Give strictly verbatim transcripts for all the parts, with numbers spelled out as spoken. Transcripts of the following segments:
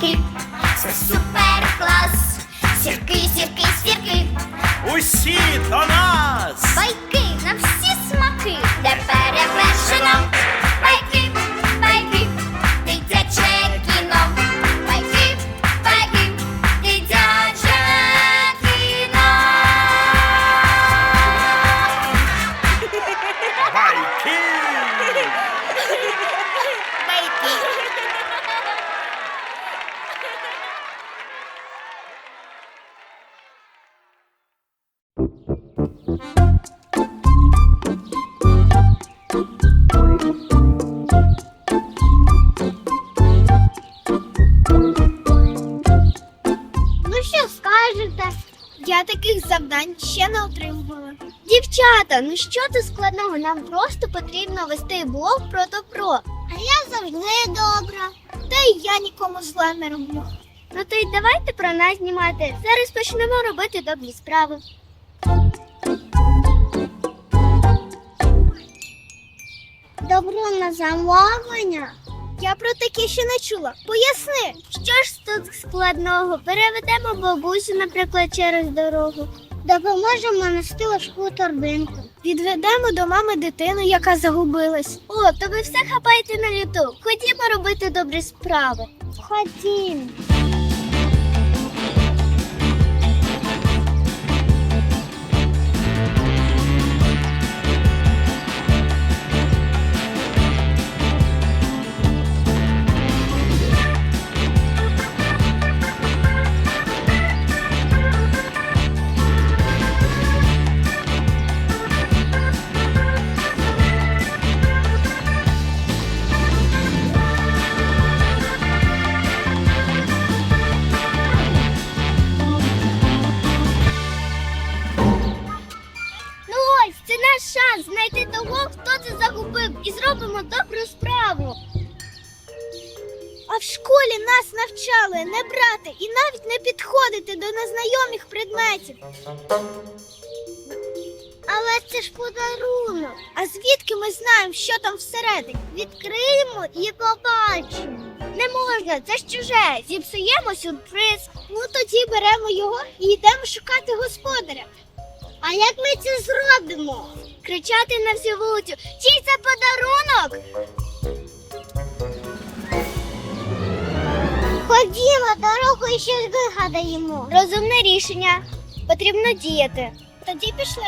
сірки, це супер клас. Сірки, сірки, сірки, Усі до нас! байки на всі смаки, де перевершено. Байки, байки, дитяче кіно. Байки, байки, дитяче кіно. Байки! Ну що скажете? Я таких завдань ще не отримувала. Дівчата, ну що тут складного? Нам просто потрібно вести блог про добро. А я завжди добра. Та й я нікому зла не роблю. Ну то й давайте про нас знімати. Зараз почнемо робити добрі справи. Добро на замовлення? Я про таке ще не чула. Поясни. Що ж тут складного? Переведемо бабусю, наприклад, через дорогу. Допоможемо нести важку торбинку. Відведемо до мами дитину, яка загубилась. О, то ви все хапаєте на люту. Ходімо робити добрі справи. Ходімо. Шанс знайти того, хто це загубив, і зробимо добру справу. А в школі нас навчали не брати і навіть не підходити до незнайомих предметів. Але це ж подарунок. А звідки ми знаємо, що там всередині? Відкриємо і побачимо. Не можна, це ж чуже. Зіпсуємо сюрприз. Ну тоді беремо його і йдемо шукати господаря. А як ми це зробимо? Кричати на всю вулицю. Чий це подарунок? Ходімо, дорогу і щось вигадаємо. Розумне рішення. Потрібно діяти. Тоді пішли.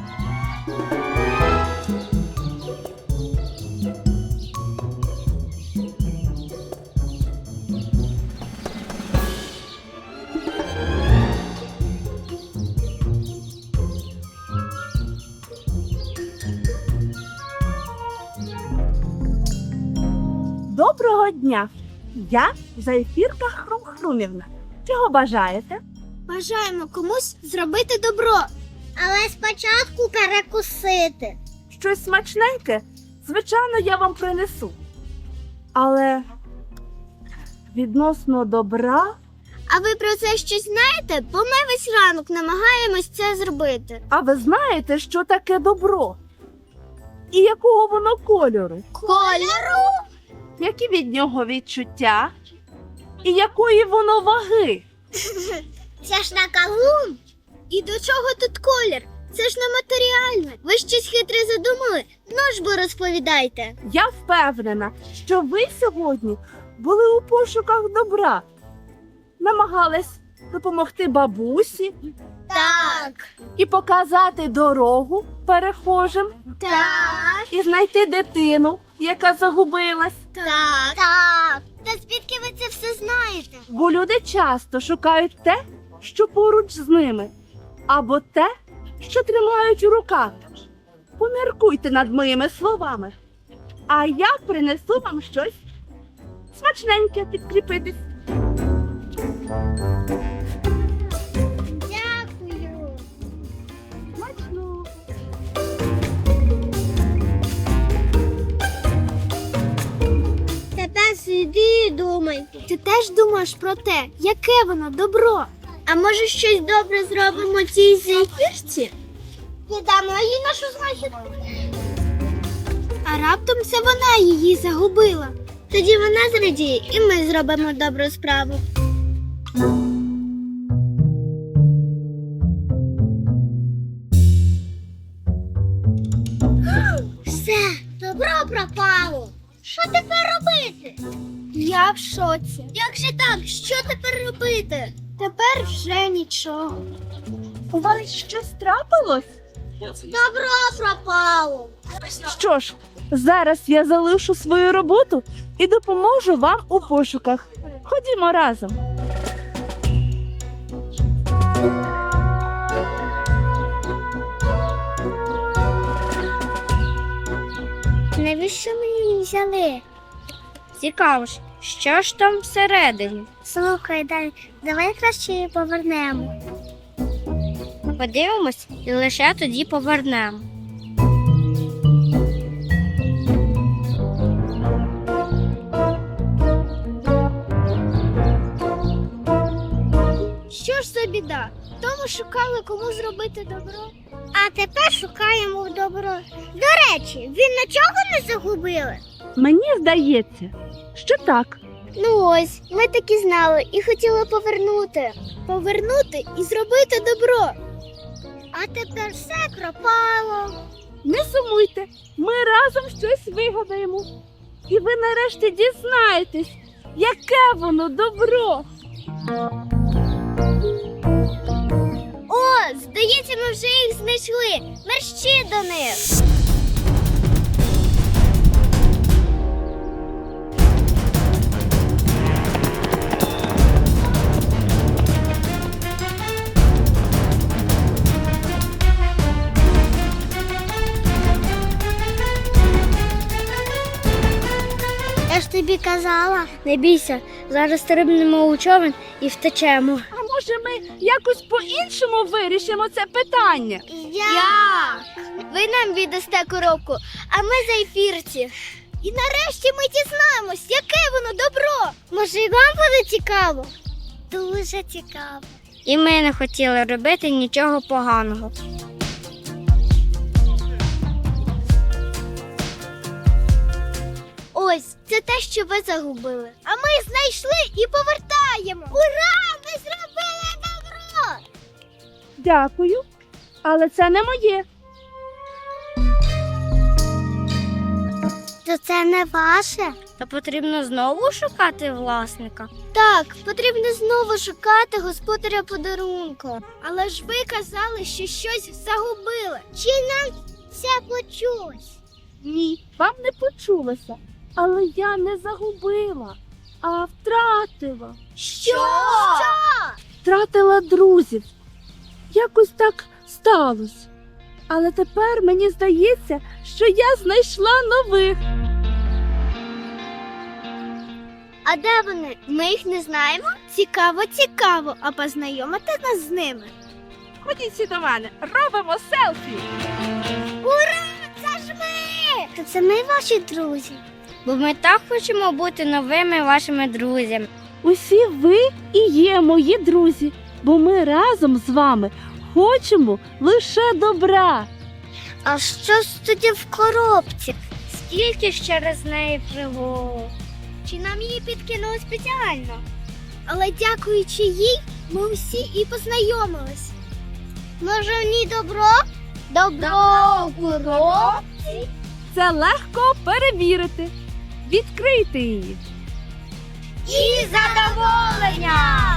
Доброго дня! Я Зайфірка Хрум-Хрумівна. Чого бажаєте? Бажаємо комусь зробити добро. Але спочатку перекусити. Щось смачненьке? Звичайно, я вам принесу. Але відносно добра... А ви про це щось знаєте? Бо ми весь ранок намагаємось це зробити. А ви знаєте, що таке добро? І якого воно кольору? Кольору? Які від нього відчуття? І якої воно ваги? Це ж на кавун. І до чого тут колір? Це ж нематеріальне. Ви щось хитре задумали? Ну ж бо розповідайте. Я впевнена, що ви сьогодні були у пошуках добра. Намагались допомогти бабусі Так. і показати дорогу перехожим, Так. і знайти дитину, яка загубилась. Так. Так. Та звідки ви це все знаєте? Бо люди часто шукають те, що поруч з ними, або те, що тримають у руках. Поміркуйте над моїми словами, а я принесу вам щось смачненьке підкріпитись. Дякую. Смачно. Тепер сиди і думай. Ти теж думаєш про те, яке воно добро? А може щось добре зробимо цій зефірці? Віддамо їй нашу знахідку. А раптом це вона її загубила. Тоді вона зрадіє, і ми зробимо добру справу. Все, добро пропало. Що тепер робити? Я в шоці. Як же так? Що тепер робити? Тепер вже нічого. У вас щось трапилось? Добро пропало. Що ж, зараз я залишу свою роботу і допоможу вам у пошуках. Ходімо разом. Навіщо ми її взяли? Цікаво ж, що ж там всередині? Слухай, дай, давай краще її повернемо. Подивимось і лише тоді повернемо. Що ж за біда? Тому шукали, кому зробити добро. А тепер шукаємо добро. До речі, він нічого не загубили? Мені здається, що так. Ну ось, ми так і знали і хотіли повернути. Повернути і зробити добро. А тепер все пропало. Не сумуйте, ми разом щось вигадаємо. І ви нарешті дізнаєтесь, яке воно добро. О, здається, ми вже їх знайшли. Мерщі до них. Я ж тобі казала. Не бійся, зараз стрибнемо у човен і втечемо. А може ми якось по-іншому вирішимо це питання? Як? Ви нам віддасте коробку, а ми за ефірці. І нарешті ми дізнаємось, яке воно добро. Може, і вам буде цікаво? Дуже цікаво. І ми не хотіли робити нічого поганого. Ось, це те, що ви загубили. А ми знайшли і повертаємо. Ура! Ми зробили добро! Дякую, але це не моє. То це не ваше? Та потрібно знову шукати власника. Так, потрібно знову шукати господаря подарунку. Але ж ви казали, що щось загубили. Чи нам це почулось? Ні, вам не почулося. Але я не загубила, а втратила. Що? Що? Втратила друзів. Якось так сталося. Але тепер мені здається, що я знайшла нових. А де вони? Ми їх не знаємо? Цікаво, цікаво. А познайомити нас з ними? Ходіть всі до мене, робимо селфі. Ура! Це ж ми! То це ми ваші друзі. Бо ми так хочемо бути новими вашими друзями. Усі ви і є мої друзі, бо ми разом з вами хочемо лише добра. А що ж тоді в коробці? Скільки ж через неї пригод. Чи нам її підкинули спеціально? Але дякуючи їй, ми усі і познайомились. Може, в ній добро? Добро в коробці? Це легко перевірити. Відкрийте її. І задоволення!